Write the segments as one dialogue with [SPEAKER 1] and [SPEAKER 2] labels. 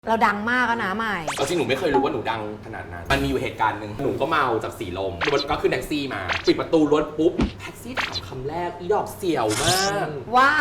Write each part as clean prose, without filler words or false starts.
[SPEAKER 1] เราดังมากนะใหม่
[SPEAKER 2] เอาจริงหนูไม่เคยรู้ว่าหนูดังขนาดนั้นมันมีอยู่เหตุการณ์หนึ่งหนูก็เมาจากสีลมรถก็ขึ้นแท็กซี่มาปิดประตูรถปุ๊บแท็กซี่ถามคำแรกอีดอกเสี่ยวมาก
[SPEAKER 1] ว่า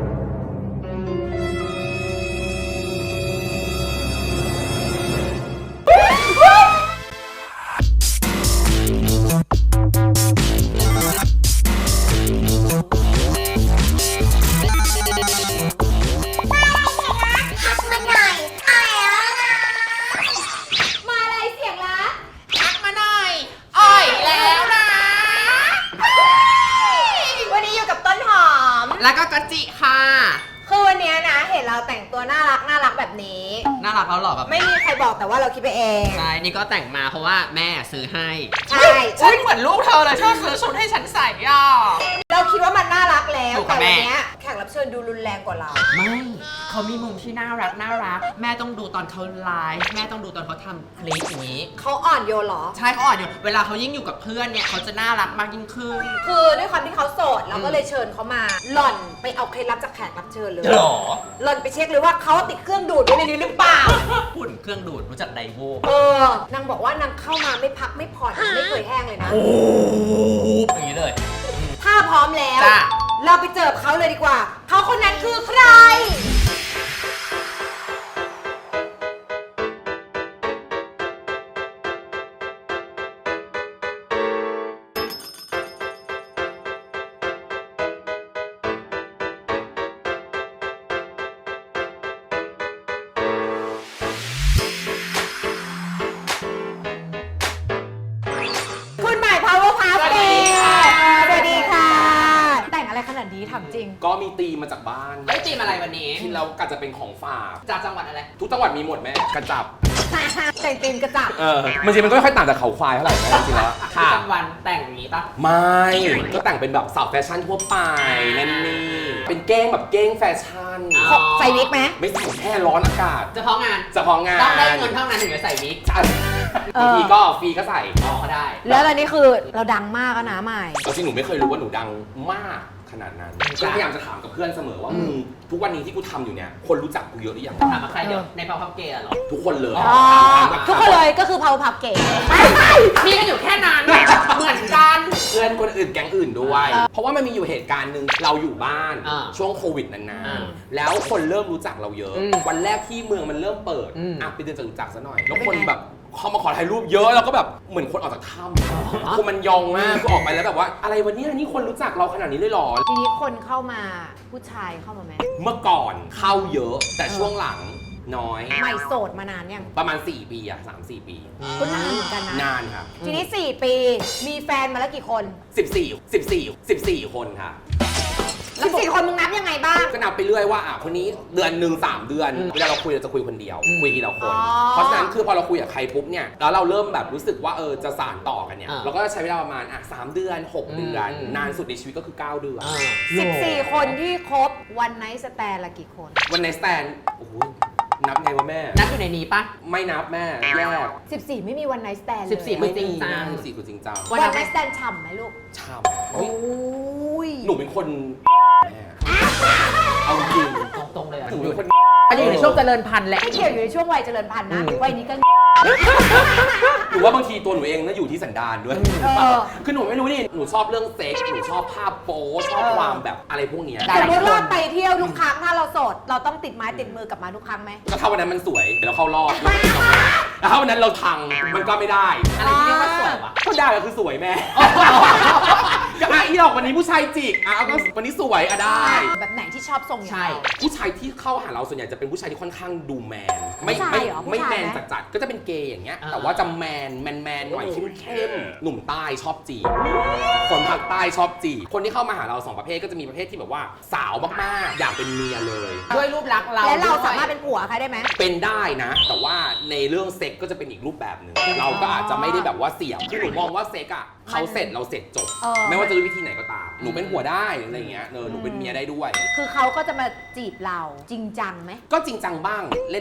[SPEAKER 3] แล้วก็กะจิค่ะ
[SPEAKER 1] คือวันนี้นะเห็นเราแต่งตัวน่ารักแบบนี้
[SPEAKER 3] น่ารักแล้วหรอแบบ
[SPEAKER 1] ไม่มีใครบอกแต่ว่าเราคิดไปเอง
[SPEAKER 3] ใช่นี่ก็แต่งมาเพราะว่าแม่ซื้อให้
[SPEAKER 1] ใช่
[SPEAKER 3] ฉันเหมือนลูกเธอเลยชอบซื้อชุดให้ฉันใส่ย่อ
[SPEAKER 1] เราคิดว่ามันน่ารักแล้วแต่วันนี้แขกรับเชิญดูรุนแรงกว่าเรา
[SPEAKER 3] ไม่เขามีมุมที่น่ารักแม่ต้องดูตอนเขาไลฟ์แม่ต้องดูตอนเขาทำคลิปอย่างนี้
[SPEAKER 1] เขาอ่อนโยนหรอ
[SPEAKER 3] ใช่เขาอ่อนโยนเวลาเขายิ่งอยู่กับเพื่อนเนี่ยเขาจะน่ารักมากยิ่งขึ้น
[SPEAKER 1] คือด้วยความที่เขาโสดเราก็เลยเชิญเขามาหล่อนไปเอาเคล็ดลับจากแขกรับเชิญเลย
[SPEAKER 3] หรอ
[SPEAKER 1] หล่อนไปเช็คเลยว่าเขาติดเครื่องดูดไว้ในนี้หรือเปล่า
[SPEAKER 3] หุ่นเครื่องดูดรู้จักไดโว
[SPEAKER 1] นางบอกว่านางเข้ามาไม่พักไม่ผ่อนไม่เคยแห้งเลยนะ
[SPEAKER 3] โอ้อย่างนี้เลย
[SPEAKER 1] ถ้าพร้อมแล้วเราไปเจอเขาเลยดีกว่าเขาคนนั้นคือใครจริง
[SPEAKER 2] ก็มีตีมาจากบ้าน
[SPEAKER 3] ไม่ตีมอะไรวันนี้
[SPEAKER 2] ที่เรากะจะเป็นของฝาก
[SPEAKER 3] จากจังหวัดอะไร
[SPEAKER 2] ทุกจังหวัดมีหมดแม่กระจับ
[SPEAKER 1] แต่งตีมกระจับ
[SPEAKER 2] มันจริงมันก็ไม่ค่อยต่างจากเขาควายเท่าไหร่นะจริงๆแล้ว
[SPEAKER 3] ค่ะจังหวัดแต่งอย่างนี้ปะ
[SPEAKER 2] ไม่ก็แต่งเป็นแบบสาวแฟชั่นทั่วไปนั่นนี่เป็นเก้งแบบเก้งแฟชั่น
[SPEAKER 1] ใส่วิกไหม
[SPEAKER 2] ไม่ใส่แค่ร้อนอากาศ
[SPEAKER 3] เฉพาะงานต้องได้เงินเท่านั้นถึงจะใส่วิก
[SPEAKER 2] บางทีก็ฟรีก็ใส่
[SPEAKER 3] ก็ได้
[SPEAKER 1] แล้วอันนี้คือเราดังมากนะใหม่
[SPEAKER 2] เอาจริงหนูไม่เคยรู้ว่าหนูดังมากขนาดนั้นก็พยายามจะถามกับเพื่อนเสมอว่าทุกวันนี้ที่กูทำอยู่เนี่ยคนรู้จักกูเยอะหรือยัง
[SPEAKER 3] ถามมาใครเดี๋ยวในเผาพับเกย์หรอ
[SPEAKER 2] ทุกคนเลย
[SPEAKER 1] ทุกคนเลยก็คือเผาพับเกย์
[SPEAKER 3] พี่ก็อยู่แค่นั้นเหมือนกัน
[SPEAKER 2] เพื่อนคนอื่นแก๊งอื่นด้วยเพราะว่ามันมีอยู่เหตุการณ์หนึ่งเราอยู่บ้านช่วงโควิดนานๆแล้วคนเริ่มรู้จักเราเยอะวันแรกที่เมืองมันเริ่มเปิดไปเดินจตุจักรซะหน่อยแล้วคนแบบเขามาขอถ่ายรูปเยอะแล้วก็แบบเหมือนคนออกจากถ้ำคือมันยองมากคือออกไปแล้วแบบว่าอะไรวันนี้นี่คนรู้จักเราขนาดนี้เลยหรอ
[SPEAKER 1] ทีนี้คนเข้ามาผู้ชายเข้ามาไหม
[SPEAKER 2] เมื่อก่อนเข้าเยอะแต่ช่วงหลังน้อย
[SPEAKER 1] ใหม่โสดมานานยัง
[SPEAKER 2] ประมาณ4 ปีอะ3-4 ปี
[SPEAKER 1] ก็นานเหมือนกันนะ
[SPEAKER 2] นานครับ
[SPEAKER 1] ทีนี้4 ปีมีแฟนมาแล้วกี่คน
[SPEAKER 2] 14คนค่ะ
[SPEAKER 1] 14 คนมึงนับยังไงบ้าง
[SPEAKER 2] ก็นับไปเรื่อยว่าคนนี้เดือนหนึ่ง3 เดือนเวลาเราคุยเราจะคุยคนเดียวคุยทีละคนเพราะฉะนั้นคือพอเราคุยกับใครปุ๊บเนี่ยแล้วเราเริ่มแบบรู้สึกว่าจะสานต่อกันเนี่ยเราก็จะใช้เวลาประมาณ3 เดือน6 เดือนนานสุดในชีวิตก็คือ9 เดือน
[SPEAKER 1] 14 คนที่คบวันไนท์สแตนละกี่คน
[SPEAKER 2] วันไนท์สแตนโอ้โหนับไงวะแม่
[SPEAKER 3] นับอยู่ในนี้ปะ
[SPEAKER 2] ไม่นับแม่แยก
[SPEAKER 1] 14ไม่มีวันไนท์สแตนเลย
[SPEAKER 3] 14ไม่จริงจัง
[SPEAKER 2] 14คือจริงจัง
[SPEAKER 1] วันไนท์สแตนฉ่ำไหมลูก
[SPEAKER 2] ฉ่ำโอ้ยหนูเป็นคนเอาจริง
[SPEAKER 3] ตรงเลย
[SPEAKER 2] หนูเป็นคน
[SPEAKER 3] อยู่ในช่วงเจริญพันธุ์แหละ
[SPEAKER 1] ไม่เกี่ยวอยู่ในช่วงวัยเจริญพันธุ์นะวัยนี้ก็
[SPEAKER 2] หนูว่าบางทีตัวหนูเองน่าอยู่ที่สันดานด้วยคือหนูไม่รู้นี่หนูชอบเรื่องเซ็กหนูชอบภาพโป๊ชอบความแบบอะไรพวกนี้
[SPEAKER 1] สมมติว่าไปเที่ยวทุกครั้งถ้าเราโสดเราต้องติดไม้ติดมือกลับมาทุกครั้งไหม
[SPEAKER 2] ก็ถ้าวันนั้นมันสวยแล้วเข้ารอดแล้วถ้าวันนั้นเราพังมันก็ไม่ได้
[SPEAKER 3] อะไรที่เรียกว่าสวยวะ
[SPEAKER 2] ก็ได้ก็คือสวยแม่ก็อีหรอกวันนี้ผู้ชายจิกก็วันนี้สวยได้
[SPEAKER 1] แบบไหนที่ชอบทรงใช่
[SPEAKER 2] ผู้ชายที่เข้าหาเราส่วนใหญ่จะเป็นผู้ชายที่ค่อนข้างดูแมนไม่แมนจัดก็จะเป็นเกย์อย่างเงี้ยแต่ว่าจะแมนหน่อยเข้มหนุ่มใต้ชอบจีบคนภาคใต้ชอบจีบคนที่เข้ามาหาเรา2 ประเภทก็จะมีประเภทที่แบบว่าสาวมากๆอยากเป็นเมียเลย
[SPEAKER 3] ด้วยรูปลักษณ์เรา
[SPEAKER 1] และเราสามารถเป็นผัวใครได้ไหม
[SPEAKER 2] เป็นได้นะแต่ว่าในเรื่องเซ็กก็จะเป็นอีกรูปแบบหนึ่งเราก็อาจจะไม่ได้แบบว่าเสียบคือหนูมองว่าเซ็กอะเขาเสร็จเราเสร็จจบไม่ว่าจะด้วยวิธีไหนก็ตามหนูเป็นผัวได้อะไรอย่างเงี้ยหนูเป็นเมียได้ด้วย
[SPEAKER 1] คือเขาก็จะมาจีบเราจริงจังไหม
[SPEAKER 2] ก็จริงจังบ้างเล่นบ้าง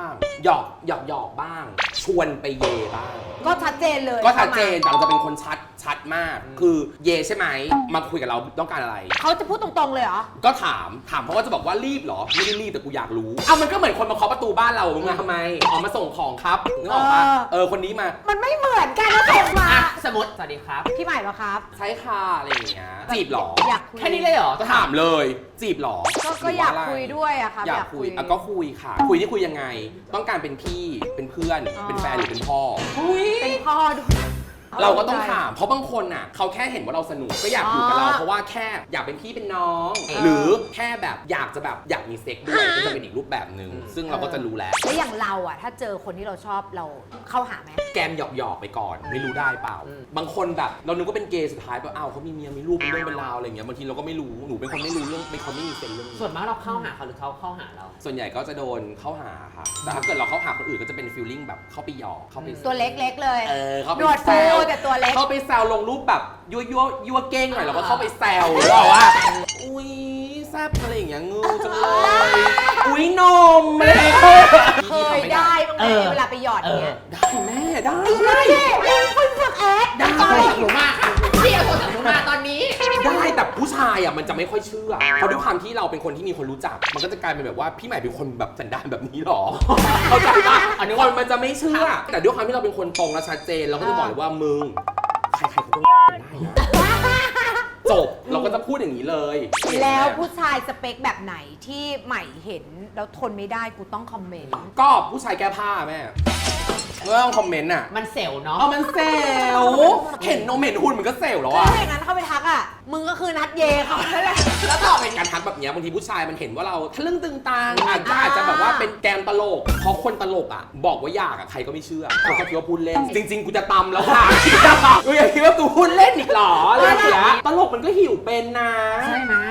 [SPEAKER 2] างหยอกบ้าง ชวนไปเยบ้าง
[SPEAKER 1] ก็ชัดเจนเลย
[SPEAKER 2] ก็ชัดเจนแต่เราจะเป็นคนชัดมาก คือเยใช่ไหมมาคุยกับเราต้องการอะไร
[SPEAKER 1] เขาจะพูดตรงๆเลยเหรอ
[SPEAKER 2] ก็ถามเพราะว่าจะบอกว่ารีบเหรอไม่ได้รีบแต่กูอยากรู้มันก็เหมือนคนมาเคาะประตูบ้านเรามึงมาทำไมมาส่งของครับนึกออกปะคนนี้มา
[SPEAKER 1] มันไม่เหมือนกันนะส่งมา
[SPEAKER 3] สมมติสวัสดีครับ
[SPEAKER 1] พี่ใหม่เหรอครับ
[SPEAKER 2] ใช้ค่ะอะไรอย่างเงี้ยจีบเหรอ
[SPEAKER 1] อยากคุย
[SPEAKER 3] แค่นี้เลยเหรอ
[SPEAKER 2] ถามเลยจีบเหรอ
[SPEAKER 1] ก็อยากคุยด้วยอะครับ
[SPEAKER 2] อยากคุยก็คุยค่ะ คุยที่คุยยังไง ต้องการเป็นพี่เป็นเพื่อนเป็นแฟนหรือเป็นพ่อ
[SPEAKER 1] เป็นพ่อด้วย
[SPEAKER 2] เราก็ต้องถามเพราะบางคนอ่ะเขาแค่เห็นว่าเราสนุกก็อยากอยู่กับเราเพราะว่าแค่อยากเป็นพี่เป็นน้อง หรือแค่แบบอยากมีเซ็กด้วยก็จะเป็นอีกรูปแบบหนึ่งซึ่งเราก็จะรู้แล้ว
[SPEAKER 1] แล้วอย่างเราอะถ้าเจอคนที่เราชอบเราเข้าหาไหม
[SPEAKER 2] แกมหยอกไปก่อนไม่รู้ได้เปล่า บางคนแบบเรานึกว่าเป็นเกย์สุดท้ายแบบอ้าวเขามีเมียมีลูกเป็นเรื่องเป็นราวอะไรอย่างเงี้ยบางทีเราก็ไม่รู้หนูเป็นคนไม่รู้เรื่องเป็นคนไม่มีเซนส์เรื่องนี้
[SPEAKER 3] ส่วนมากเราเข้าหาเขาหรือเขาเข้าหาเรา
[SPEAKER 2] ส่วนใหญ่ก็จะโดนเข้าหาค่ะแต่ถ้าเกิดเราเข้าหาคนอื่นก็จะเป็นฟีลลิ่งแบบเข้าไปหยอกเข้าไป
[SPEAKER 1] ตัวเล็กๆเลย
[SPEAKER 2] เข้าไป
[SPEAKER 1] หนวด
[SPEAKER 2] แซ
[SPEAKER 1] ฟู
[SPEAKER 2] ว
[SPEAKER 1] แต่ตัวเล็ก
[SPEAKER 2] เข้าไปแซวลงรูปแบบยั่วเก้งหน่อยเราก็เข้าไปแซวหรือเปล่าว่าอุ้ยแซ่บอะไรอย่างเงี้ยงูจังเลยอุ้ยนมอะไร
[SPEAKER 1] เคยได้บ้างไหมเวลาไปหยอดเนี่ย
[SPEAKER 2] ได้แม่ได้
[SPEAKER 1] คุณฝึกแอค
[SPEAKER 2] ได้
[SPEAKER 3] โทรศัพท์หนูมาค่ะพี่เอาโทรศัพท์หนูมาตอนนี้
[SPEAKER 2] ได้แต่ผู้ชายอ่ะมันจะไม่ค่อยเชื่อเพราะด้วยความที่เราเป็นคนที่มีคนรู้จัก มันก็จะกลายเป็นแบบว่าพี่ใหม่เป็นคนแบบสันดานแบบนี้หรอเข้าใจปะคนมันจะไม่เชื่อ แต่ด้วยความที่เราเป็นคนตรงและชัดเจนเราก็จะบอกเลยว่ามึงใครๆก็ต้องได้นะจบเราก็จะพูดอย่างนี้เลย
[SPEAKER 1] แล้วผู้ชายสเปคแบบไหนที่ใหม่เห็นแล้วทนไม่ได้กูต้องคอมเมนต์
[SPEAKER 2] ก็ผู้ชายแก้ผ้าแม่เมื่อต้องคอมเมนต์อ่ะ
[SPEAKER 3] มันเซลล์เนาะ
[SPEAKER 2] มันเซลเห็นนมเห็นหุ่นมันก็เซลแล้วอ่ะ
[SPEAKER 1] ถ้าอย่างนั้นเข้าไปทักอ่ะมึงก็คือนัดเยเขานั่นแหละ
[SPEAKER 2] แล้วต่อเป็นการทักแบบเนี้ยบางทีผู้ชายมันเห็นว่าเราทะลึ่งตึงตังอาจจะแบบว่าเป็นแกมตลกเพราะคนตลกอ่ะบอกว่าอยากอ่ะใครก็ไม่เชื่อเขาก็คิดว่าพูดเล่น จริง ๆ กูจะตำแล้วค่ะกูอยากคิดว่ากูพูดเล่นอีกหรออะไรอย่างเงี้ยตลกมันก็หิวเป็นนะ
[SPEAKER 3] ใช่ไหม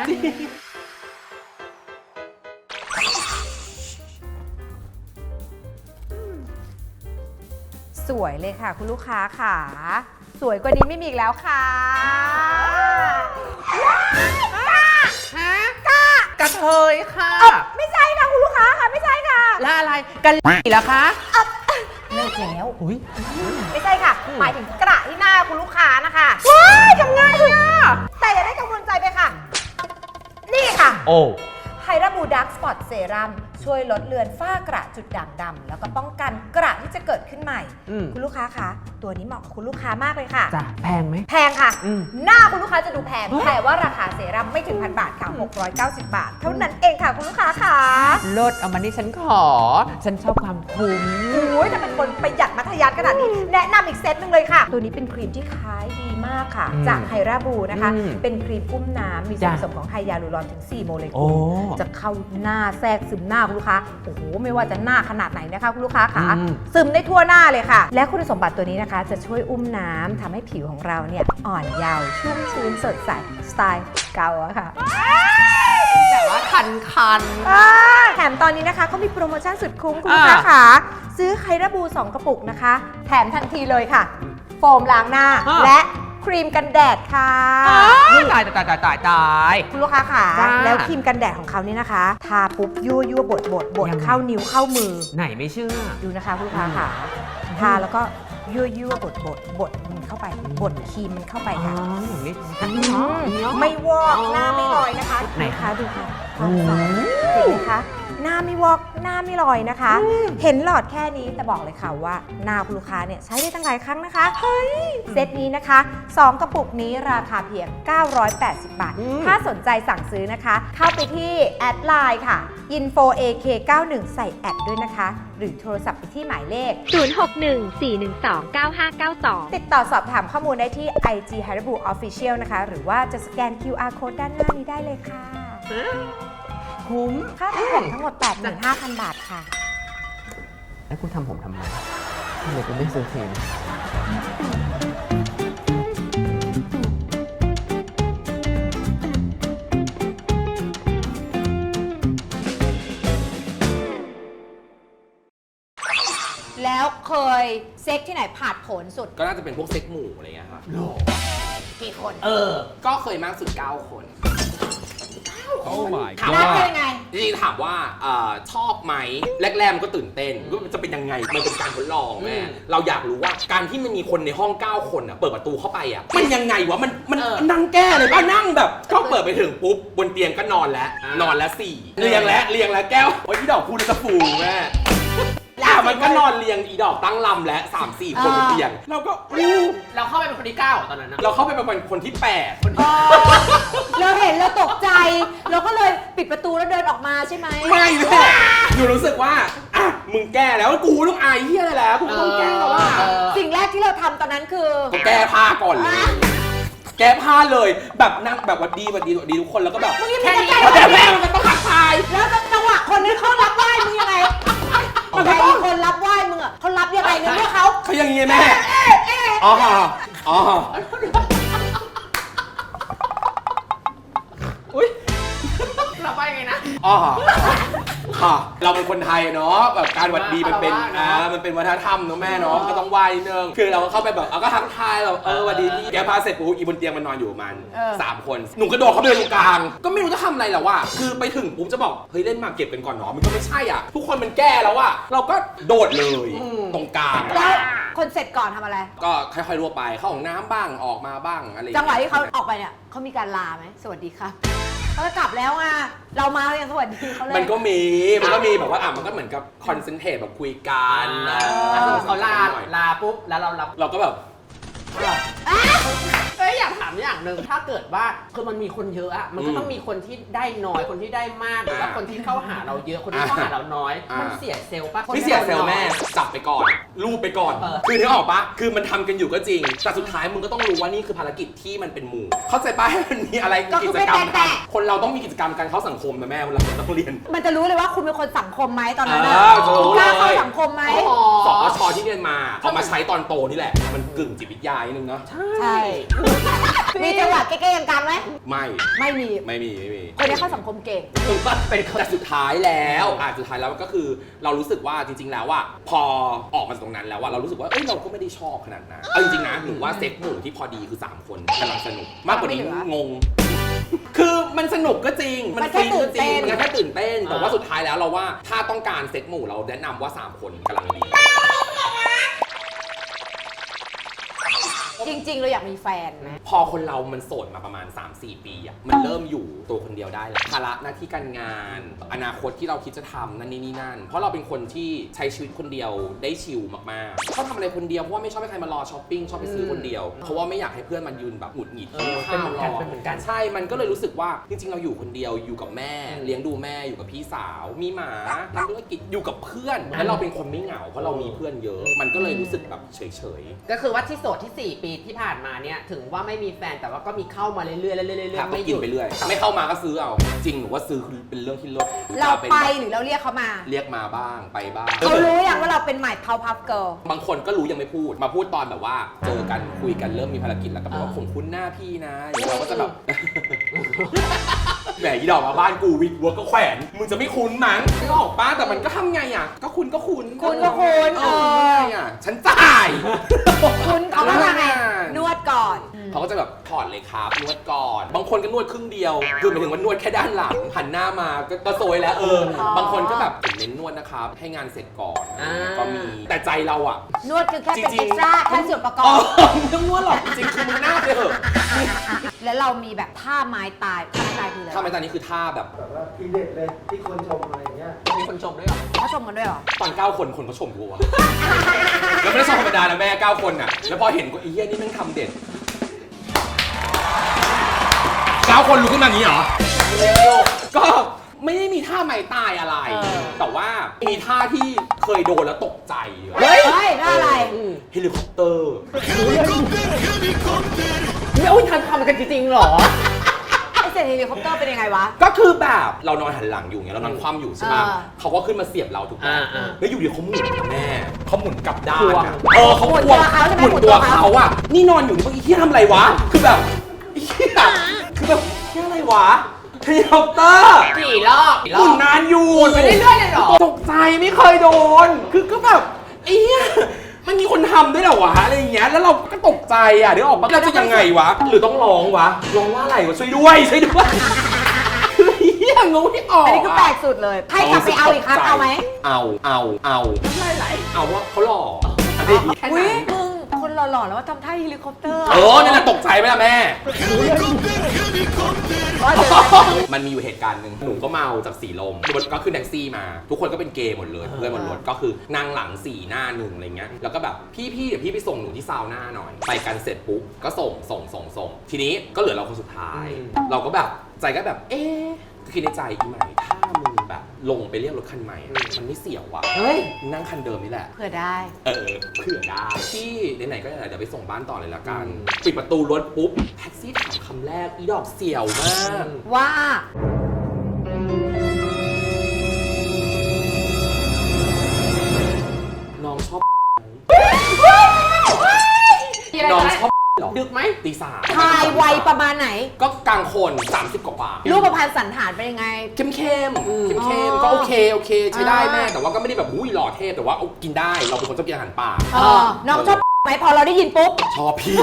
[SPEAKER 1] สวยเลยค่ะคุณลูกค้าค่ะ สวยกว่านี้ไม่มีอีกแล้วค่ะฮะกะ
[SPEAKER 3] กระเทยค่ะ
[SPEAKER 1] ไม่ใช่ค่ะคุณลูกค้าค่ะไม่ใช่ค่ะ
[SPEAKER 3] แล้วอะไรกันเหรอคะ
[SPEAKER 1] เลิกแล้ว
[SPEAKER 3] อุ้ย
[SPEAKER 1] ไม่ใช่ค่ะ หมายถึงกระที่หน้าคุณลูกค้านะคะว้ายทำไงอ่ะแต่อย่าได้กังวลใจไปค่ะ นี่ค่ะ
[SPEAKER 3] โอ้
[SPEAKER 1] ไฮราบูดักสปอตเซรั่มช่วยลดเลือนฝ้ากระจุดด่างดำแล้วก็ป้องกันกระที่จะเกิดขึ้นใหม่ คุณลูกค้าคะตัวนี้เหมาะกับคุณลูกค้ามากเลยค่ะ
[SPEAKER 3] จ้ะแพงไหม
[SPEAKER 1] แพงค่ะ
[SPEAKER 3] อืม
[SPEAKER 1] หน้าคุณลูกค้าจะดูแพงแต่ว่าราคาเซรั่มไม่ถึง1,000 บาทค่ะ690 บาท เท่านั้นเองค่ะคุณลูกค้าค่ะ
[SPEAKER 3] ลดเอามานี่ฉันขอ ฉันชอบความคุ้ม
[SPEAKER 1] โอ้ยถ้าเป็นคนประหยัดมัธยัสถ์ขนาดนี้ แนะนำอีกเซตหนึงเลยค่ะ ตัวนี้เป็นครีมที่ขายดีมากค่ะ
[SPEAKER 3] อืม
[SPEAKER 1] จากไฮราบูนะคะ
[SPEAKER 3] อืม
[SPEAKER 1] เป็นครีมอุ้มน้ำมีส่วน
[SPEAKER 3] จ้ะ
[SPEAKER 1] ผสมของไฮยาลูรอนถึง 4 โมเล
[SPEAKER 3] โอ้
[SPEAKER 1] กุลจะเข้าหน้าแทรกซึมหน้าคุณลูกค้าโอ้โหไม่ว่าจะหน้าขนาดไหนนะคะคุณลูกค้าค่ะ ซึมได้ทั่วหน้าเลยค่ะ และคุณสมบัติตัวนี้นะคะ จะช่วยอุ้มน้ำทำให้ผิวของเราเนี่ยอ่อนเยาว์ชุ่มชื้นสดใสสไตล์เกาอะค่ะ
[SPEAKER 3] แต่ว่าคัน
[SPEAKER 1] แถมตอนนี้นะคะเขามีโปรโมชั่นสุดคุ้มคุณลูกค้าค่ะซื้อไฮราบู 2 กระปุกนะคะ แถมทันทีเลยค่ะ โฟมล้างหน้า และครีมกันแดดค่ะ
[SPEAKER 3] ตาย
[SPEAKER 1] คุณลูกค้าค่ะ
[SPEAKER 3] จ้า
[SPEAKER 1] แล้วครีมกันแดดของเขานี่นะคะ ทาปุ๊บยั่วบด
[SPEAKER 3] ยังไง
[SPEAKER 1] เข้านิ้วเข้ามือ
[SPEAKER 3] ไหนไม่เชื่อ
[SPEAKER 1] ดูนะคะคุณลูกค้าค่ะ ทาแล้วก็ยั่วบดมันเข้าไปบดครีมมันเข้าไป
[SPEAKER 3] อ๋อ
[SPEAKER 1] ค่ะ
[SPEAKER 3] อย่างนี้
[SPEAKER 1] ไม่วอก
[SPEAKER 3] อ๋อ
[SPEAKER 1] หน้าไม่ลอยนะคะ
[SPEAKER 3] ไหน
[SPEAKER 1] คะดูค่ะ
[SPEAKER 3] โอ้
[SPEAKER 1] เห็นไหมคะหน้าไม่วอกหน้าไม่ลอยนะคะ เห็นหลอดแค่นี้แต่บอกเลยค่ะว่าหน้าคุณลูกค้าเนี่ยใช้ได้ตั้งหลายครั้งนะคะเฮ้ยเซตนี้นะคะ 2 กระปุกนี้ราคาเพียง 980 บาท ถ้าสนใจสั่งซื้อนะคะ เข้าไปที่แอดไลน์ค่ะ infoak91 ใส่แอดด้วยนะคะ หรือโทรศัพท์ไปที่หมายเลข
[SPEAKER 4] 0614129592
[SPEAKER 1] ติดต่อสอบถามข้อมูลได้ที่ IG Haribo Official นะคะ หรือว่าจะสแกน QR Code ด้านหน้านี้ได้เลยค่ะ
[SPEAKER 3] คุ้ม
[SPEAKER 1] ค่าทำผมทั้งหมด 85,000 บาทค่ะ
[SPEAKER 3] แล้วกูทำผมทำไมทำไมกูไม่ซื้อครีม
[SPEAKER 1] แล้วเคยเซ็กที่ไหนผ่านผลสุด
[SPEAKER 2] ก็น่าจะเป็นพวกเซ็กหมู่อะไรเงี้ยครับ
[SPEAKER 1] กี่คน
[SPEAKER 3] เออ
[SPEAKER 2] ก็เคยมากสุด9 คน
[SPEAKER 1] 9
[SPEAKER 2] ถาม
[SPEAKER 1] รัก
[SPEAKER 2] ว่า
[SPEAKER 1] เป็นยังไง
[SPEAKER 2] จริงๆถามว่าชอบไหมแรกๆมันก็ตื่นเต้นว่ามันจะเป็นยังไงมันเป็นการทดลองแม่เราอยากรู้ว่าการที่มันมีคนในห้อง9คนเปิดประตูเข้าไปมันยังไงวะมันนั่งแก้เลยป่ะนั่งแบบก็เปิดไปถึงปุ๊บบนเตียงก็นอนแล้ว4เรียงแล้วแก้วโอ้ยพี่ดอกพูดจะฟูแม่มันก็นอนเรียงอีดอกตั้งลำและ3-4 คนบนเตียงเราก็
[SPEAKER 3] เราเข้าไปเป็นคนที่9ตอนนั้นนะ
[SPEAKER 2] เราเข้าไปเป็นคนที่8
[SPEAKER 1] เราเห็นเราตกใจ เราก็เลยปิดประตูแล้วเดินออกมาใช่ไหม
[SPEAKER 2] ไม่แม่หนูรู้สึกว่ามึงแก้แล้วกูต้องอายเฮียอะไรแล้วกูต้องแก้แล้วว่า
[SPEAKER 1] สิ่งแรกที่เราทำตอนนั้นคือ
[SPEAKER 2] แก้ผ้าก่อนเลยแก้ผ้าเลยแบบนั่งแบบวัดดีทุกคนแล้วก็แบบ
[SPEAKER 1] มึงยังไม่
[SPEAKER 2] แค่
[SPEAKER 1] ได้
[SPEAKER 2] นี้
[SPEAKER 1] ใจ
[SPEAKER 2] แต่แม่มันก็ต้องทักทาย
[SPEAKER 1] แล้วจังหวะคนนั้นเขารับไหว้มึงยังไงแต่อีกคนรับไหว้มึงเขารับยังไงในเมื่อเขา
[SPEAKER 2] อย่างงี้แม่อ๋อ
[SPEAKER 3] อุ้ยเราไปไงนะ
[SPEAKER 2] เราเป็นคนไทยเนาะแบบการหวัดดีมันเป็นมันเป็นวัฒนธรรมเนาะแม่เนาะก็ต้องไหว้นึงคือเราก็เข้าไปแบบก็ทักทายแบบหวัดดีพี่แกพาเสร็จปุ๊บอีบนเตียงมันนอนอยู่มัน3 คนหนูกระโดดเข้าไปตรงกลางก็ไม่รู้จะทำอะไรแล้วว่ะคือไปถึงปุ๊บจะบอกเฮ้ยเล่นมาเก็บกันก่อนเนาะมันก็ไม่ใช่ทุกคนมันแก้แล้วว่ะเราก็โดดเลยตรงกลาง
[SPEAKER 1] แล้วคนเสร็จก่อนทำอะไร
[SPEAKER 2] ก็ค่อยๆรั่วไปเข้าห้องน้ำบ้างออกมาบ้างอะไร
[SPEAKER 1] จังหวะที่เขาออกไปเนี่ยเขามีการลาไหมสวัสดีครับเขาจะกลับแล้วเรามาอย่างสวัสดีเขาเลย
[SPEAKER 2] มันก็มีแบบว่ามันก็เหมือนกับคอนเซนเทรตแบบคุยกัน
[SPEAKER 3] เขาลาปุ๊บแล้ว
[SPEAKER 2] เราก็แบบ
[SPEAKER 3] อยากถามอย่างหนึ่งถ้าเกิดว่าคือมันมีคนเยอะมันก็ต้องมีคนที่ได้น้อยคนที่ได้มากหรือว่าคนที่เข้าหาเราเยอะคนที่เข้าหาเราน้อยมันเสียเซลล์ป่ะ
[SPEAKER 2] ไม่เสียเซลล์แม่จับไปก่อนรูปไปก่อนคือนึกออกปะคือมันทำกันอยู่ก็จริงแต่สุดท้ายมึงก็ต้องรู้ว่านี่คือภารกิจที่มันเป็นหมู่เข้าใจปะให้มันมีอะไรกิจกรรมทำคนเราต้องมีกิจกรรมการเข้าสังคมนะแม่เวลาเราต้องเรียน
[SPEAKER 1] มันจะรู้เลยว่าคุณเป็นคนสังคมไหมตอนนั้นกล้าเข้าสังคมไหม
[SPEAKER 2] สอชที่เรียนมาเอามาใช้ตอนโตนี่แหละมันกึ่งจิตวิทยานึงเนาะ
[SPEAKER 1] ใช่มีจังหวะเก๊ๆกลางๆไหม
[SPEAKER 2] ไม่มี
[SPEAKER 1] คนนี้เข้าสังคมเก่ง
[SPEAKER 2] แต่สุดท้ายแล้วก็คือเรารู้สึกว่าจริงๆแล้วว่าพอออกมาตรงนั้นแล้วว่าเรารู้สึกว่าเราก็ไม่ได้ชอบขนาดนั้นจริงๆนะหนูว่าเซ็ตหมู่ที่พอดีคือ3 คนกำลังสนุกมากกว่านี้งงคือมันสนุกก็จริงมันแค่ตื่นเต้นแต่ว่าสุดท้ายแล้วเราว่าถ้าต้องการเซ็ตหมู่เราแนะนำว่า3 คนกำลังดี
[SPEAKER 1] จริงๆเราอยากมีแฟนไหม
[SPEAKER 2] พอคนเรามันโสดมาประมาณ 3-4 ปีมันเริ่มอยู่ตัวคนเดียวได้แล้วภาระหน้าที่การงานอนาคตที่เราคิดจะทำนั่นนี่นั่นเพราะเราเป็นคนที่ใช้ชีวิตคนเดียวได้ชิลมากๆชอบทำอะไรคนเดียวเพราะว่าไม่ชอบให้ใครมารอช้อปปิ้งชอบไปซื้อคนเดียวเพราะว่าไม่อยากให้เพื่อนมันยืนแบบหงุดหงิด
[SPEAKER 3] ข้าวรอเป็นเหมือนกัน
[SPEAKER 2] ใช่มันก็เลยรู้สึกว่าจริงๆเราอยู่คนเดียวอยู่กับแม่เลี้ยงดูแม่อยู่กับพี่สาวมีหมาทำธุรกิจอยู่กับเพื่อนแล้วเราเป็นคนไม่เหงาเพราะเรามีเพื่อนเยอะมันก็เลยรู้สึกแบบเฉย
[SPEAKER 3] ๆก็คือว่าที่โสดที่4 ปีที่ผ่านมาเนี่ยถึงว่าไม่มีแฟนแต่ว่าก็มีเข้ามาเรื่อยๆเรื่อยๆ
[SPEAKER 2] ไม่หยุดไปเรื่อยไม่เข้ามาก็ซื้อเอาจริงหนูว่าซื้อคือเป็นเรื่องที่เลิศ
[SPEAKER 1] เราไปหรือเราเรียกเขามา
[SPEAKER 2] เรียกมาบ้างไปบ้าง
[SPEAKER 1] เขารู้อย่างว่าเราเป็นใหม่พาวพับเกิร์ล
[SPEAKER 2] บางคนก็รู้ยังไม่พูดมาพูดตอนแบบว่าเจอกันคุยกันเริ่มมีภารกิจแล้วก็บอกว่าผมคุ้นหน้าพี่นะเราก็จะแบบแหมอีดอกมาบ้านกูวิกวัวก็แขวนมึงจะไม่คุ้นมั้งไม่ออกป้าแต่มันก็ทำไงก็คุณฉันจ่าย
[SPEAKER 1] คุณเขาก็ทำไงนวดก่อน
[SPEAKER 2] เขาก็จะแบบถอดเลยครับนวดก่อนบางคนก็นวดครึ่งเดียวคือหมายถึงว่านวดแค่ด้านหลังหันหน้ามาก็โซยแล้วบางคนก็แบบเน้นนวดนะครับให้งานเสร็จก่อนก็มีแต่ใจเรา
[SPEAKER 1] นวดคือแค่เป็นเอ็กซ์ตร้าแค่ส่วนประกอบ
[SPEAKER 2] ไม่ต้องนวดหรอกจริงคือมึงหน้าไปเถอะ
[SPEAKER 1] แล้วเรามีแบบท่าไม้ตายคืออะไร
[SPEAKER 2] ท่าไม้ตายนี่คือท่าแบบ
[SPEAKER 4] ว่าทีเด็ดเลยที่คนชมอะไรอย่างเงี้ย
[SPEAKER 3] มีคนชมด้วยเหรอ
[SPEAKER 1] เขาชมกันด้วยเหรอ
[SPEAKER 2] ตอน9 คนเขาชมกูแล้วไม่ได้ชมธรรมดานะแม่9 คนแล้วพอเห็นกูอีเหี้ยนี่แม่งทำเด็ด9 คนลุกขึ้นมาอย่างนี้เหรอก็ไม่ได้มีท่าไม้ตายอะไรแต่ว่ามีท่าที่เคยโดนแล้วตกใจ
[SPEAKER 1] เฮ้ยท่าอะไร
[SPEAKER 2] เฮลิคอปเตอร์
[SPEAKER 3] ไม่อุ้ยทำกันจริงๆหรอ
[SPEAKER 1] เฮลิคอปเตอร์เป็นยังไงวะ
[SPEAKER 2] ก็คือแบบเรานอนหันหลังอยู่เงี้ยเรานอนคว่ำอยู่ใช่ไหมเขาก็ขึ้นมาเสียบเราถูกไหมแล้วอยู่ดีเขาหมุนแม่เขาหมุนกลับด้านเขาหมุนตัวเขานี่นอนอยู่นี่เมื่อกี้ที่ทำอะไรวะคือแบบคือแบบที่อะไรวะเฮลิคอปเตอร์
[SPEAKER 3] กี่รอบ
[SPEAKER 2] หมุนนานอยู่
[SPEAKER 3] ไม่ได้เลื่อนเลยหรอ
[SPEAKER 2] ตกใจไม่เคยโดนคือก็แบบมันมีคนทำด้วยเหรอวะอะไรอย่างเงี้ยแล้วเราก็ตกใจเดี๋ยวออกมาเราจะยังไงวะหรือต้องร้องวะร้องว่าอะไรวะช่วยด้วยคือ
[SPEAKER 3] ยังงูที่ออก
[SPEAKER 1] อันนี้คือแปลกสุดเลยให้กลับไปเอาอีกครั้งเอาไหม
[SPEAKER 2] เอา
[SPEAKER 3] ไหล
[SPEAKER 2] เอาว่าเขาหล่ออันนี้
[SPEAKER 3] แค่
[SPEAKER 1] อุ้ย
[SPEAKER 3] นั้น
[SPEAKER 1] มึงคนหล่อๆแล้วว่าทำท่าเฮลิคอปเตอร์
[SPEAKER 2] นี่แหละตกใจไหมล่ะแม่
[SPEAKER 1] ว่าเดี๋ยว
[SPEAKER 2] มันมีอยู่เหตุการณ์หนึ่งหนูก็เมาจากสีลมก็ขึ้นแท็กซี่มา ทุกคนก็เป็นเกย์หมดเลยเพื่อนบนรถก็คือนั่งหลัง4หน้า1อะไรเงี้ยแล้วก็แบบพี่เดี๋ยวพี่ไปส่งหนูที่ซาวน่าหน่อยไปกันเสร็จปุ๊บก็ส่งทีนี้ก็เหลือเราคนสุดท้าย เราก็แบบใจก็แบบคิดในใจอีไหมถ้ามึงแบบลงไปเรียกรถคันใหม่มันไม่เสี่ยวว่ะ
[SPEAKER 3] เฮ้ย
[SPEAKER 2] นั่งคันเดิมนี่แหละ
[SPEAKER 1] เผื่อได้
[SPEAKER 2] เผื่อได้ที่ไหนๆก็ไหนๆเดี๋ยวไปส่งบ้านต่อเลยละกันปิดประตูรถปุ๊บแท็กซี่ถามคำแรกอีดอกเสี่ยวมาก
[SPEAKER 1] ว่า
[SPEAKER 2] น้องชอบ
[SPEAKER 3] มีอะไร
[SPEAKER 2] น้อง
[SPEAKER 3] ไหม
[SPEAKER 2] ชอบหรอ
[SPEAKER 3] ดึกไหม
[SPEAKER 2] ตีสาม
[SPEAKER 1] ทายวัยประมาณไหน
[SPEAKER 2] ก็กลางคน30 กว่า
[SPEAKER 1] รูปพรรณสันฐานเป็นยังไง
[SPEAKER 2] เข้มเข้ม
[SPEAKER 1] อ๋อ
[SPEAKER 2] ก็โอเคใช้ได้แม่
[SPEAKER 1] อ่า
[SPEAKER 2] แต่ว่าก็ไม่ได้แบบอุ้ยหล่อเทพแต่ว่าเอากินได้เราเป็นคนชอบกินอาหารป่า
[SPEAKER 1] น้องชอบไหมพอเราได้ยินปุ๊บ
[SPEAKER 2] ชอบพี่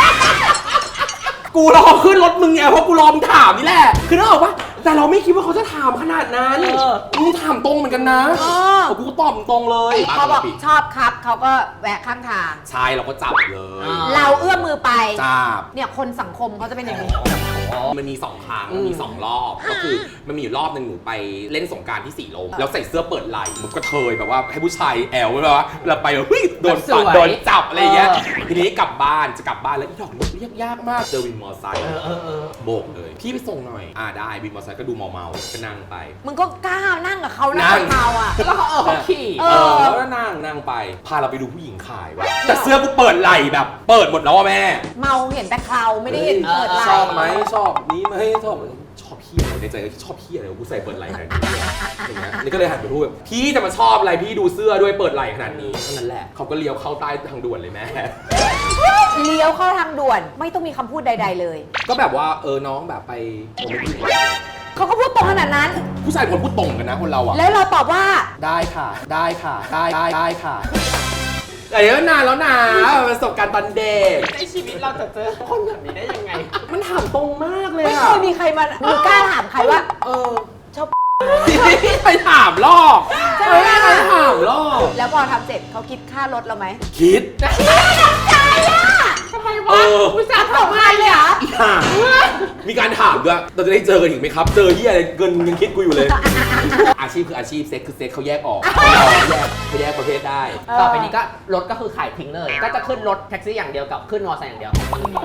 [SPEAKER 2] กูรอขึ้นรถมึงไงเพราะกูรอมึงถามนี่แหละคือนึกออกปะแต่เราไม่คิดว่าเขาจะถามขนาดนั้นมึงถามตรงเหมือนกันนะกูก็ตอบตรงเลย
[SPEAKER 1] เขาบอกชอบครับเขาก็แวะข้างทาง
[SPEAKER 2] ใช่เราก็จับเลย
[SPEAKER 1] เราเอื้อมมือไป
[SPEAKER 2] จับ
[SPEAKER 1] เนี่ยคนสังคมเขาจะเป็นอย่างนี้
[SPEAKER 2] มันมี2 ครั้งมันมี2 รอบ ก็คือมันมีอยู่รอบหนึ่งหนูไปเล่นสงกรานต์ที่สีลมแล้วใส่เสื้อเปิดไหล่มันก็เทยแบบว่าให้ผู้ชายแอลไว้แบบว่าเราไปแบบเฮ้ยโดนปัดโดนจับอะไรอย่างเงี้ยทีนี้กลับบ้านจะกลับบ้านแล้วอีดอกเรียกยากมากเจอวินมอไซค์โบกเลยพี่ไปส่งหน่อยได้วินมอไซค์ก็ดูเมาๆก็นั่งไป
[SPEAKER 1] มึงก็กล้านั่งกับเขานั่
[SPEAKER 2] นั่
[SPEAKER 1] ง
[SPEAKER 2] ง
[SPEAKER 1] กับเขาอ่ะ
[SPEAKER 3] แล้วเขาขี่
[SPEAKER 2] แล้วก็นั่งไปพาเราไปดูผู้หญิงขายว่ะแต่เสื้อกูเปิดไหล่แบบเปิดหมดแล้วอะแม่
[SPEAKER 1] เมาเห็นแต่เขาไม่ได้เห็นเปิดไหล่
[SPEAKER 2] ชอบไหมชอบนี้ไหมชอบพี่อะไรในใจก็ชอบพี่อะไรกูใส่เปิดไหล่ขนาดนี้อย่างเงี้ยนี่ก็เลยหันไปพูดแบบพี่จะมาชอบอะไรพี่ดูเสื้อด้วยเปิดไหล่ขนาดนี้เท่านั้นแหละเขาก็เลี้ยวเข้าใต้ทางด่วนเลยแม่
[SPEAKER 1] เลี้ยวเข้าทางด่วนไม่ต้องมีคำพูดใด ๆ เลย
[SPEAKER 2] ก็แบบว่าน้องแบบไปโมเมนต์
[SPEAKER 1] เขาก็พูดตรงขนาดนั้น
[SPEAKER 2] ผู้ชายคนพูดตรงกันนะคนเราอะ
[SPEAKER 1] แล้วเราตอบว่า
[SPEAKER 2] ได้ค่ะได้ค่ะแต่เยอะนานแล้วนะประสบการณ์ตอนเด็ก
[SPEAKER 3] ในชีวิตเราจะเจอคนแบบนี้ได้ยังไง
[SPEAKER 2] มันถามตรงมากเลย
[SPEAKER 1] ไม่
[SPEAKER 2] อะ
[SPEAKER 1] เคยมีใครมาหรือกล้าถามใครว่า ชอบ
[SPEAKER 2] ไปถามรอบ
[SPEAKER 1] ใช่ไหม
[SPEAKER 2] ไปถามรอบ
[SPEAKER 1] แล้วพอทำเสร็จเขาคิดค่ารถเราไหม
[SPEAKER 2] คิด
[SPEAKER 3] ทำไมวะผู้ชายทำไมเลยอ่ะ
[SPEAKER 2] มีการถามด้วยเราจะได้เจอกันอีกไหมครับ เจอที่อะไรเงินยังคิดกูอยู่เลย อาชีพคืออาชีพเซ็กคือเซ็กเขาแยกออกเขาแยกประเภทได้
[SPEAKER 3] ต่อไปนี้ก็รถก็คือขายทิ้งเลย ก็จะขึ้นรถแท็กซี่อย่างเดียวกับขึ้นมอเตอร์ไซค์อย่างเดียว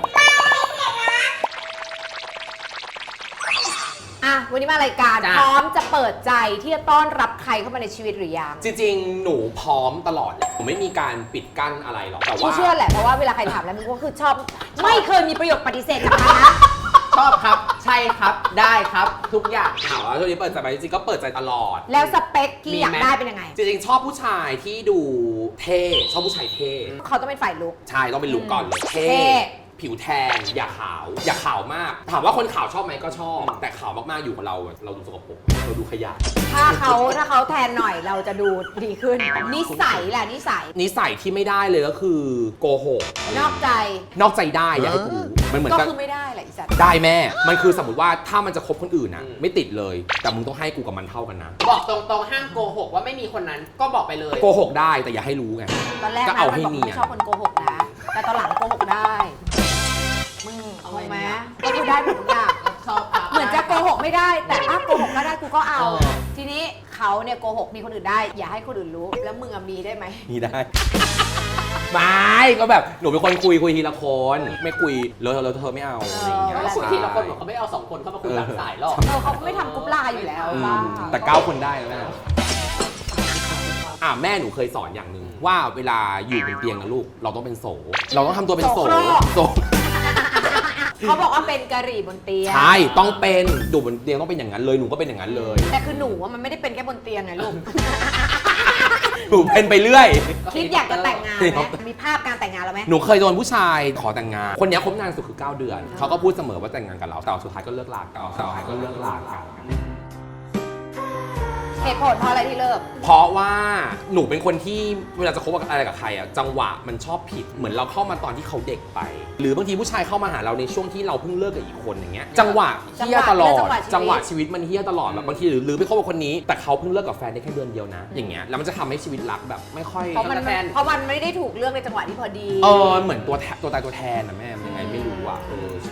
[SPEAKER 1] อ่ะวันนี้มารายการ
[SPEAKER 3] จ้ะ
[SPEAKER 1] พร้อมจะเปิดใจที่จะต้อนรับใครเข้ามาในชีวิตหรือยัง
[SPEAKER 2] จริงๆ หนูพร้อมตลอดแหละหนูไม่มีการปิดกั้นอะไรหรอกแต่
[SPEAKER 1] กู
[SPEAKER 2] ว่า
[SPEAKER 1] เชื่อแหละเพราะว่าเวลาใครถามแล้วมึงก็คือชอบ ไม่เคยมีประโยคปฏิเสธจากใครนะ
[SPEAKER 3] ชอบครับ ใช่ครับ ได้ครับ ทุกอย่าง
[SPEAKER 2] ถามว่าช่วงนี้เปิดใจไหมจริงๆก็เปิดใจตลอด
[SPEAKER 1] แล้วสเปคที่
[SPEAKER 3] มี
[SPEAKER 1] อยาก
[SPEAKER 3] ไหม
[SPEAKER 1] ได้เป็นยังไง
[SPEAKER 2] จริงๆ ชอบผู้ชายที่ดูเท่ชอบผู้ชายเท่
[SPEAKER 1] เขาต้องเป็นฝ่ายลุก
[SPEAKER 2] ใช่ต้องเป็นลุคก่อนเลยเท่
[SPEAKER 1] เท่
[SPEAKER 2] ผิวแทนอย่าขาวมาก ถามว่าคนขาวชอบไหมก็ชอบ แต่ขาวมากๆอยู่กับเราดูสกปรกเราดูขยะ
[SPEAKER 1] ถ้าเขาแทนหน่อยเราจะดูดีขึ้น นิสัยแหละนิสัย
[SPEAKER 2] นิสัยที่ไม่ได้เลยก็คือโกหก
[SPEAKER 1] นอกใจ
[SPEAKER 2] นอกใจได้อยากให้กูรู้มันเหมือน
[SPEAKER 1] ก็
[SPEAKER 2] กับ
[SPEAKER 1] คือไม่ได้แหละอีสัตว์
[SPEAKER 2] ได้แม่ มันคือสมมติว่าถ้ามันจะคบคนอื่นนะไม่ติดเลย แต่มึงต้องให้กูกับมันเท่ากันนะ
[SPEAKER 3] บอกตรงๆห้ามโกหกว่าไม่มีคนนั้น ก็บอกไปเลย
[SPEAKER 2] โกหกได้แต่อย่าให้รู้ไง
[SPEAKER 1] ตอนแรก
[SPEAKER 2] ก็
[SPEAKER 1] นะ
[SPEAKER 2] เอา
[SPEAKER 1] มัน
[SPEAKER 2] ให้
[SPEAKER 1] บอก
[SPEAKER 2] เนียน
[SPEAKER 1] ไม่ชอบคนโกหกนะ แต่ตอนหลังโกหกได้มึงเอาไหม
[SPEAKER 3] เอา
[SPEAKER 1] ก็คือได้หมดทุกอย่าง
[SPEAKER 3] ชอบครับ
[SPEAKER 1] เหมือนจะโกหกไม่ได้ แต่ถ้าโกหกก็ได้กูก็เอา
[SPEAKER 3] เออ
[SPEAKER 1] ทีนี้เขาเนี่ยโกหกมีคนอื่นได้ อย่าให้คนอื่นรู้ แล้วมึงอะมีได้ไหม
[SPEAKER 2] นี่ได้ ไม่ก็แบบหนูเป็นคนคุยทีละคนไม่คุยแล้วเธอไม่เอาอะไรอย่างเงี้ย
[SPEAKER 3] แล้วคุยทีละคนเหมือนเขาไม่เอา2 คนเข้ามาคุยหลังสายหรอก
[SPEAKER 1] เขาไม่ทำกรุ๊ปไลน์อยู่แล้ว
[SPEAKER 2] อืม
[SPEAKER 1] บ้า
[SPEAKER 2] แต่9 คนได้แล้วแม่แม่หนูเคยสอนอย่างหนึ่งว่าเวลาอยู่บนเตียงนะลูกเราต้องเป็นโสเราต้องทำตัวเป็นโสโส
[SPEAKER 1] เขาบอกว่าเป็นกะหรี่บนเตียง
[SPEAKER 2] ใช่ต้องเป็นอยู่บนเตียงต้องเป็นอย่างนั้นเลยหนูก็เป็นอย่างนั้นเลย
[SPEAKER 1] แต่คือหนูว่ามันไม่ได้เป็นแค่บนเตียงไงลูก
[SPEAKER 2] หนูเป็นไปเรื่อย
[SPEAKER 1] คิดอยากจะแต่งงานไหมมีภาพการแต่งงานแล้วไหม
[SPEAKER 2] หนูเคยโดนผู้ชายขอแต่งงาน คนนี้คบนานสุดคือ 9 เดือน เขาก็พูดเสมอว่าแต่งงานกับเรา แต่สุดท้ายก็เลิกลากัน
[SPEAKER 1] เหตุผลเพราะอะไรที่เลิก
[SPEAKER 2] เพราะว่าหนูเป็นคนที่เวลาจะคบอะไรกับใครอ่ะจังหวะมันชอบผิดเหมือนเราเข้ามาตอนที่เขาเด็กไป หรือบางทีผู้ชายเข้ามาหาเราในช่วงที่เราเพิ่งเลิกกับอีกคนอย่างเงี้ยจังหวะเฮี้ยตลอดจังหวะชีวิตมันเฮี้ยตลอดแบบบางทีหรือไปคบกับคนนี้แต่เขาเพิ่งเลิกกับแฟนได้แค่เดือนเดียวนะอย่างเงี้ยแล้วมันจะทำให้ชีวิตรักแบบไม่ค่อย
[SPEAKER 1] เพราะมันไม่ได้ถูกเลือกในจังหวะที่พอดี
[SPEAKER 2] เหมือนตัวตายตัวแทนนะแม่มันยังไงไม่รู้อ่ะใช่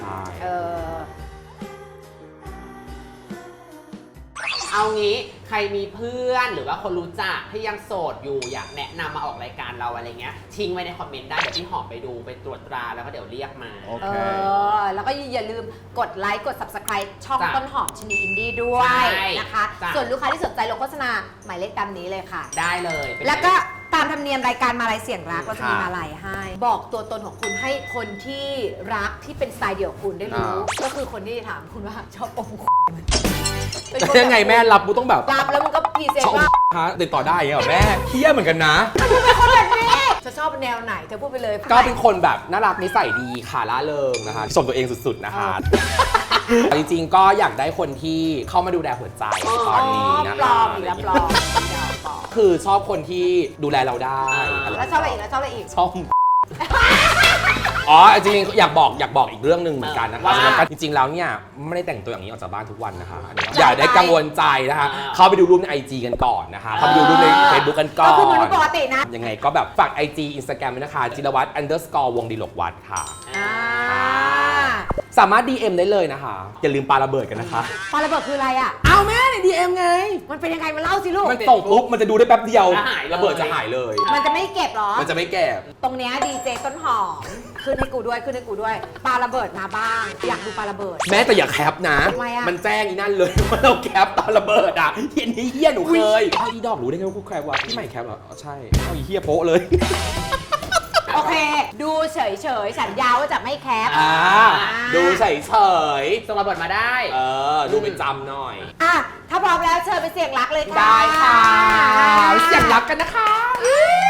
[SPEAKER 3] เอางี้ใครมีเพื่อนหรือว่าคนรู้จักที่ยังโสดอยู่อยากแนะนำมาออกรายการเราอะไรเงี้ยทิ้งไว้ในคอมเมนต์ได้เดี๋ยวพี่หอมไปดูไปตรวจตราแล้วก็เดี๋ยวเรียกมา
[SPEAKER 1] แล้วก็อย่าลืมกดไลค์กด subscribe ช่อง
[SPEAKER 3] จ้ะ
[SPEAKER 1] ต้นหอมชนีอินดี้ด้วย
[SPEAKER 3] ใช่
[SPEAKER 1] นะคะ
[SPEAKER 3] จ้ะ
[SPEAKER 1] ส่วนลูกค้าที่สนใจลงโฆษณาหมายเลขตามนี้เลยค่ะ
[SPEAKER 3] ได้เลยเป็น
[SPEAKER 1] แล้วก็ตามธรรมเนียมรายการมาลัยเสียงรักเราจะมีมาลัยให้ บอกตัวตนของคุณให้คนที่รักที่เป็นสไตล์เดี่ยวกับคุณได้รู้ ก็คือคนที่ถามคุณว่าชอบอมเป็นคน
[SPEAKER 2] ยังไงแม่รับกูต้องแบบ
[SPEAKER 1] รับแล้วมึงก็พรีเซน
[SPEAKER 2] ชอบ
[SPEAKER 1] ต์ว่า
[SPEAKER 2] คะติดต่อได้อย่างเงี้ยเหรอแม่เฮี้ยเหมือนกันนะ
[SPEAKER 1] จะชอบแนวไหนเธอพูดไปเลย
[SPEAKER 2] ก็เป็นคนแบบน่ารักนิสัยดีค่ะล่าเริงนะคะชมตัวเองสุดๆนะคะจริงๆก็อยากได้คนที่เข้ามาดูแลหัวใจตอนนี้นะ
[SPEAKER 1] ปล
[SPEAKER 2] คะ
[SPEAKER 1] อมอีกแล้วปลอม
[SPEAKER 2] คือชอบคนที่ดูแลเราได้
[SPEAKER 1] แล้วชอบอะไรอีกแล้วชอบอะไรอีก
[SPEAKER 2] ชอบอ๋อจริงๆอยากบอกอีกเรื่องหนึ่งเหมือนกันนะคะ
[SPEAKER 3] ว่า
[SPEAKER 2] สำหรับการจริงๆแล้วเนี่ยไม่ได้แต่งตัวอย่างนี้ออกจากบ้านทุกวันนะคะอย่าได้กังวลใจนะคะเข้าไปดูรูปใน IG กันก่อนนะคะเข้าไปดูรูปใน Facebook กันก่อ
[SPEAKER 1] ก็คือมัน
[SPEAKER 2] น
[SPEAKER 1] ปกตินะ
[SPEAKER 2] ยังไงก็แบบฝาก IG Instagram ด้วยนะคะจิรวัตร_วงดีหลกวัดค่ะ สามารถ DM ได้เลยนะคะ อย่าลืมปาระเบิดกันนะคะ
[SPEAKER 1] ปาระเบิดคืออะไรอ่ะ
[SPEAKER 2] เอาแม่ใน DM ไง
[SPEAKER 1] มันเป็นยังไงมาเล่าสิลูก
[SPEAKER 2] มันส่งปุ๊บมันจะดูได้แป๊บเดียว
[SPEAKER 3] จะหายเลย
[SPEAKER 2] ระเบิดจะหายเลย
[SPEAKER 1] มันจะไม่เก็บเหรอ
[SPEAKER 2] มันจะไม่แก่
[SPEAKER 1] ตรงเนี้ยดีเจต้นหอมขึ้นให้กูด้วยปาระเบิดมาบ้าง อยากดูปาระเบิด
[SPEAKER 2] แม้แต่อย่าแคปนะ
[SPEAKER 1] ทำไมอะ
[SPEAKER 2] มันแจ้งอีนั่นเลย ว่าเราแคปตอนระเบิดอ่ะเฮียนี่เฮียหนูเคยเอาอีดอกรู้ได้ไงว่ากูแคปวะพี่ใหม่แคปเหรออ๋อใช่เอาอีเฮียโป๊ะเลย
[SPEAKER 1] โอเค ดูเฉยๆสัญญาว่าจะไม่แคป
[SPEAKER 2] ดูเฉย
[SPEAKER 3] ส่งระเบิดมาได้
[SPEAKER 2] ๆดูเป็นจำหน่อย
[SPEAKER 1] อ่ะ ถ้าพร้อมแล้วเชิญไปเสี่ยงรักเลยค่ะ
[SPEAKER 2] ได้ค่ะ เสียงรักกันนะคะ